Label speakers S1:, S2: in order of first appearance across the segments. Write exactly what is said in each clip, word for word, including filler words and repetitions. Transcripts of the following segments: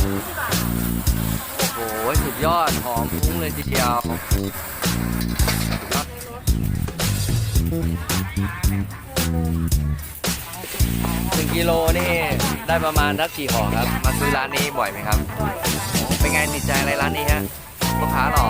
S1: โอ้โหสุดยอดหอมฟุ้งเลยทีเดียวหนึ่งกิโลนี่ได้ประมาณสักกี่ห่อครับมาซื้อร้านนี้บ่อยไหมครับเป็นไงติดใจอะไรร้านนี้ฮะลูกค้าหรอ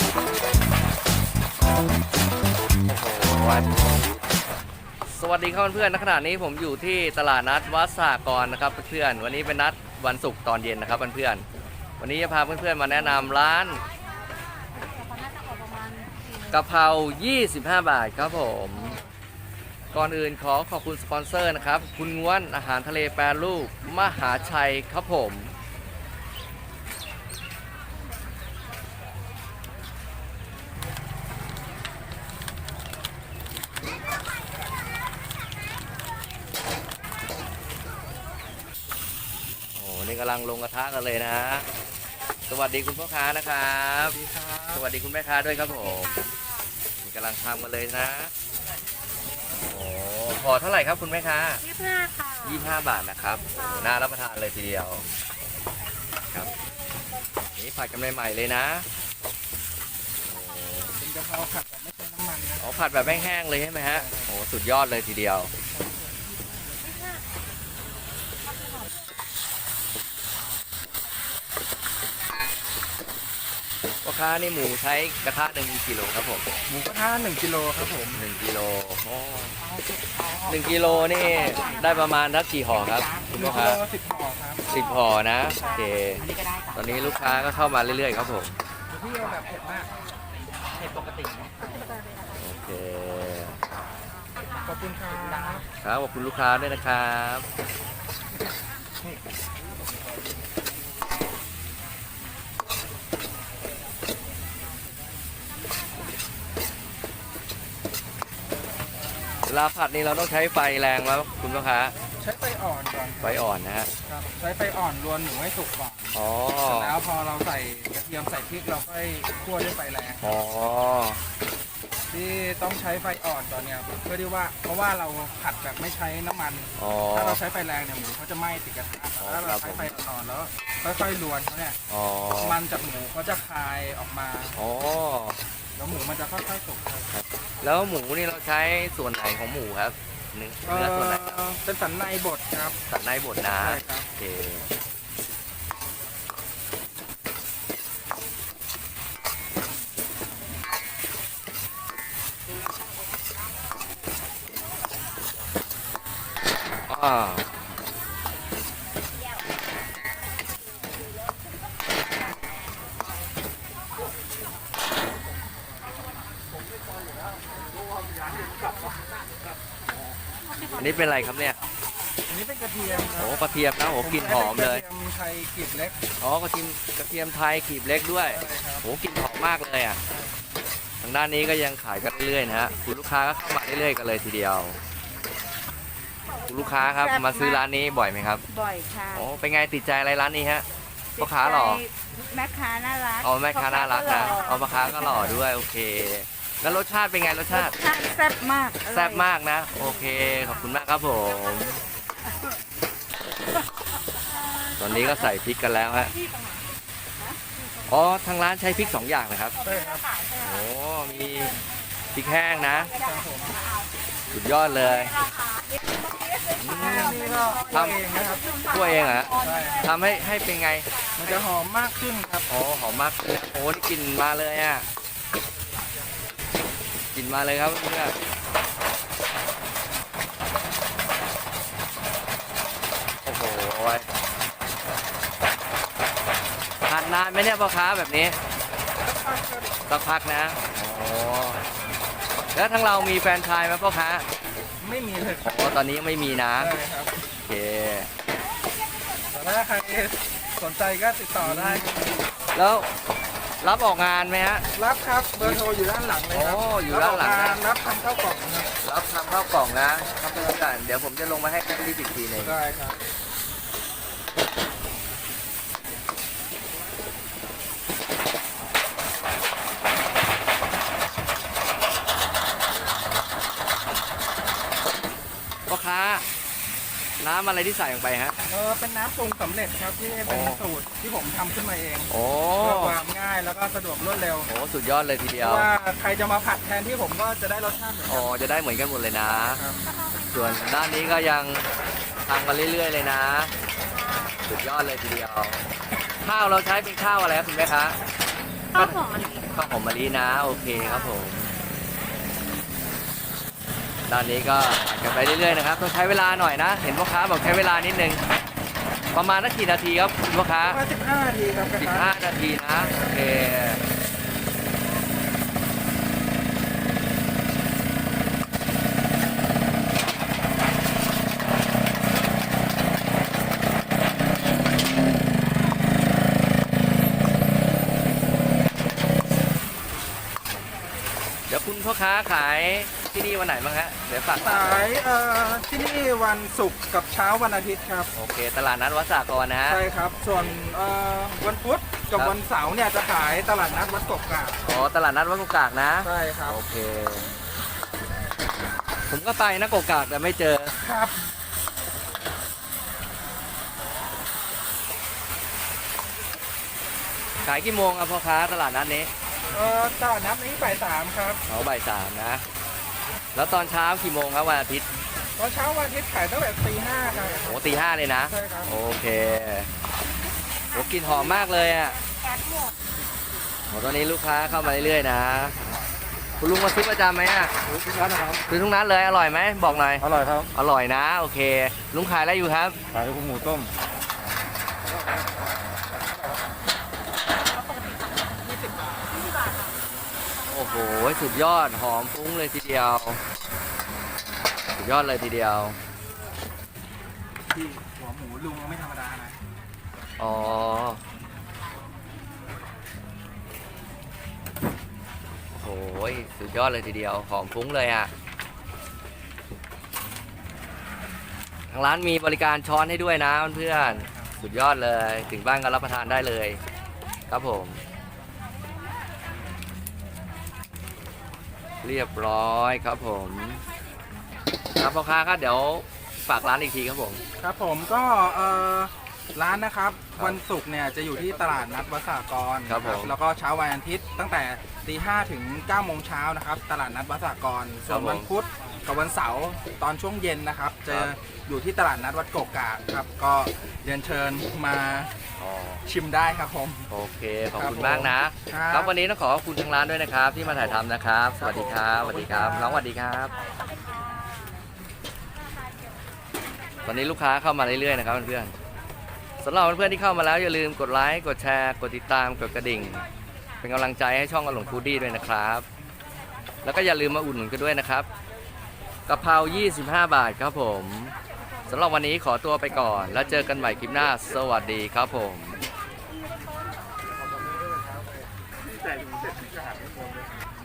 S1: โอ้โหสวัสดีครับเพื่อนๆณขณะนี้ผมอยู่ที่ตลาดนัดวัดสหกรณ์นะครับเพื่อนๆวันนี้เป็นนัดวันศุกร์ตอนเย็นนะครับเพื่อนๆวันนี้จะพาเพื่อนๆมาแนะนำร้านกะเพรายี่สิบห้าบาทครับผมก่อนอื่นขอขอบคุณสปอนเซอร์นะครับคุณง้วนอาหารทะเลแปรรูปมหาชัยครับผมโอ้นี่กำลังลงกระทะกันเลยนะสวัสดีคุณพ่อค้านะครับสวัสดีคุณแม่ค้าด้วยครับผมนี่กำลังทำกันเลยนะโอ้พอเท่าไหร่ครับคุณแม่ค้า
S2: ยี่สิบห้าค่ะ
S1: ยี่สิบห้าบาทนะครับน่ารับประทานเลยทีเดียวครับนี่ผัดกันใหม่ๆเลยนะ
S3: เป็นกะเพราผัดแบบไม่ใช้น้ำมันนะ
S1: อ๋อผัดแบบแห้งๆเลยใช่ไหมฮะโอ้สุดยอดเลยทีเดียวพ่อค้านี่หมูใช้กระทะหนึ่งกิโลครับผม
S3: หมูกระทะหนึ่งกิโลครับผม
S1: หนึ่งกิโลโอ้หนึ่งกิโลนี่ได้ประมาณสักกี่ห่อครับคุณพ่อค้า
S3: สิบห่อครับ
S1: สิบห่อนะโอเคตอนนี้ลูกค้าก็เข้ามาเรื่อยๆครับผม
S3: พี่เอาแบบเผ็ดมากเผ็ดปกติ
S1: โอเค
S3: ขอบคุณครับ
S1: ครับขอบคุณลูกค้าด้วยนะครับเวลาผัดนี่เราต้องใช้ไฟแรงไหมคุณลูกค้า
S3: ใช้ไฟอ่อนก่อน
S1: ไฟอ่อนนะฮะ
S3: ครับใช้ไฟอ่อนรวนหมูให้สุกก่อน
S1: อ๋อ
S3: แล้วพอเราใส่กระเทียมใส่พริกเราค่อยคั่วด้วยไฟแรง
S1: อ๋อ
S3: ที่ต้องใช้ไฟอ่อนตอนเนี้ยเพื่อที่ว่าเพราะว่าเราผัดแบบไม่ใช้น้ำมันถ้าเราใช้ไฟแรงเนี่ยหมูเขาจะไหม้ติดกระทะถ้าเราใช้ไฟอ่อนแล้วค่อยๆรวนเขาเนี่ยมันจากหมูเขาจะคายออกมา
S1: อ๋อ
S3: แล้วหมูมันจะค่อยๆสุกครับ
S1: แล้วหมูนี่เราใช้ส่วนไหนของหมูครับเนื้อส่วนไหน
S3: เป็นสันในบดครับ
S1: สันในบดนะโอเคอ่าอันนี้เป็นอะไรครับเนี่ย
S3: อันนี้เป็นกระเทียม
S1: โอ้กระเทียมนะโอ้กลิ่นหอมเลย
S3: กระเทียมไทยกลีบเล็ก
S1: อ๋อกระเทียมกระเทียมไทยกลีบเล็กด้วยโอ้กลิ่นหอมมากเลยอ่ะทางด้านนี้ก็ยังขายกันเรื่อยๆนะฮะคุณลูกค้าก็เข้ามาเรื่อยๆกันเลยทีเดียวคุณลูกค้าครับมาซื้อร้านนี้บ่อยไหมครับ
S2: บ่อยค่ะ
S1: โอ้เป็นไงติดใจอะไรร้านนี้ฮะพ่อค้าหล่อ
S2: แม่ค้าน่ารัก
S1: อ๋อแม่ค้าน่ารักนะอ๋อพ่อค้าก็หล่อด้วยโอเคแล้วรสชาติเป็นไงรสชาติ
S2: แซ่บมาก
S1: แซ่บมากนะโอเคขอบคุณมากครับผมตอนนี้ก็ใส่พริกกันแล้วฮะอ๋อทางร้านใช้พริกสองอย่างนะครับ
S3: ใช่ครับ
S1: โอ้มีพริกแห้งนะสุดยอดเลย
S3: ทำเองนะครับ
S1: ตัวเองเหรอทำให้ให้เป็นไง
S3: มันจะหอมมากขึ้นครับ
S1: อ๋อหอมมากโอ้นี่กลิ่นมาเลยอ่ะกลิ่นมาเลยครับเพื่อนโอ้โหทานนานไหมเนี่ยพ่อค้าแบบนี้สักพักนะโอ้แล้วทั้งเรามีแฟนชายไหมพ่อค้า
S3: ไม่มีเลย
S1: โอ้ตอนนี้ยังไม่มีนะ
S3: ใช่ครับ
S1: โอเค
S3: แต่ถ้าใครสนใจก็ติดต่อได้
S1: แล้วรับออกงานไหมฮะ
S3: รับครับเบอร์โทรอยู่ด้านหลังเลยครับ
S1: โอ้อยู่ด้านหลังนะ
S3: รับทำข้าวกล่องนะ
S1: รับทำข้าวกล่องนะครับเพื่อนๆเดี๋ยวผมจะลงมาให้รีบอีกทีหนึ่ง
S3: ได้ครับ
S1: พ่อค้าน้ำอะไรที่ใส่ลงไปฮะ
S3: เออเป็นน้ำปรุงสำเร็จครับที่เป็น
S1: โอ้
S3: สูตรที่ผมทำขึ้นมาเอง
S1: โอ้
S3: เพื่อความง่ายแล้วก็สะดวกรวดเร็ว
S1: โหสุดยอดเลยทีเดี
S3: เพ
S1: ยว
S3: ราะว่าใครจะมาผัดแทนที่ผมก็จะได้รสชาติเหมือน
S1: อ๋
S3: กั
S1: อน จะได้เหมือนกันหมดเลยนะ
S3: ครับ
S1: ส่วนด้านนี้ก็ยังทำมาเรื่อยๆเลยนะ สุดยอดเลยทีเดียว ข้าวเราใช้เป็นข้าวอะไรครับคุณแม่คะ
S2: ข้าวหอมมะลิ
S1: ข้าวหอมมะลินะโอเคครับผมด้านนี้ก็ผัดกันไปเรื่อยๆนะครับต้องใช้เวลาหน่อยนะ เห็นพ่อค้าบอกใช้เวลานิดนึงประมาณนักกี่นาทีครับคุณพ่อค้า
S3: ประมาณสิบห้านาทีครับกระ
S1: สิบ
S3: ทะ
S1: ห้านาทีนะโอเคเดี๋ยวคุณพ่อค้าขายที่นี่วันไหนบ้างฮะเดี๋ยวฝาก
S3: ขายเอ่อที่นี่วันศุกร์กับเช้าวันอาทิตย์ครับ
S1: โอเคตลาดนัดวัดสากรนะฮะ
S3: ใช่ครับ ส่วนเอ่อวันพุธกับ
S1: ครับ
S3: วันเสาร์เนี่ยจะขายตลาดนัดวัดกกกา
S1: อ๋อตลาดนัดวัดกุกากนะ
S3: ใช่ครับ
S1: โอเค ผมก็ไปนะกกากแต่ไม่เจอ
S3: ครับ
S1: ขายกี่โมงครับพ่อค้าตลาดนัดนี้
S3: เอ่อตลาดนัดนี้บ่ายสามครับ
S1: เขาบ่ายสามนะ แล้วตอนเช้ากี่โมงครับวันอาทิตย์
S3: ตอนเช้าวันอาทิตย์ขายตั้งแต่ตีห้าครับ
S1: โอ้ตีห้าเลยนะ
S3: ใช่ครับ
S1: โอเคโอ้กลิ่นหอมมากเลยอ่ะ
S2: แก๊สหมด
S1: โอ้ตอนนี้ลูกค้าเข้ามาเรื่อยๆนะ คุณลุงมาซื้อประจำไหมอ่ะ
S3: ทุกร้านนะครับ
S1: ซื้อทุกนัดเลยอร่อยไหมบอกหน่อย
S3: อร่อยครับ
S1: อร่อยนะ โอเค ลุงขายอะไรอยู่ครับ
S3: ขายหมูต้ม
S1: โอ้โหสุดยอดหอมฟุ้งเลยทีเดียว สุดยอดเลยทีเดียว
S3: ที่หัวหมูลุงไม่ธรรมดานะ
S1: อ๋อโอ้โหสุดยอดเลยทีเดียว หอมฟุ้งเลยอ่ะ ทางร้านมีบริการช้อนให้ด้วยนะเพื่อนๆสุดยอดเลย ถึงบ้านก็รับประทานได้เลย ครับผม เรียบร้อยครับผมครับพ่อค้าครับเดี๋ยวฝากร้านอีกทีครับผม
S3: ครับผมก็เอ่อร้านนะครับ
S1: ครับ
S3: วันศุกร์เนี่ยจะอยู่ที่ตลาดนัดวัดสากร
S1: ครับผม
S3: แล้วก็เช้าวันอาทิตย์ตั้งแต่ตีห้าถึงเก้าโมงเช้านะครับตลาดนัดวัดสากรส่วนวันพุธกับวันเสาร์ตอนช่วงเย็นนะครับจะอยู่ที่ตลาดนัดวัดโกกากครับก็เรียนเชิญมา
S1: อ๋อ
S3: ชิมได้ครับผม
S1: โอเคขอบ
S3: ครับ
S1: คุณมากนะ
S3: ผมครับ
S1: ครับวันนี้ต้องขอขอบคุณทางร้านด้วยนะครับ ที่มาถ่ายทำนะครับ สวัสดีครับสวัสดีครับน้องสวัสดีครับ ตอนนี้ลูกค้าเข้ามาเรื่อยๆนะครับเพื่อนๆสำหรับเพื่อนๆที่เข้ามาแล้วอย่าลืมกดไลค์กดแชร์กดติดตามกดกระดิ่ง เป็นกำลังใจให้ช่องอลงฟูดดี้ด้วยนะครับ แล้วก็อย่าลืมมาอุดหนุนกันด้วยนะครับกะเพรายี่สิบห้าบาทครับผมสำหรับวันนี้ขอตัวไปก่อน แล้วเจอกันใหม่คลิปหน้าสวัสดีครับผม
S3: แต่เสร็จที่จะหาไม่หมดเลย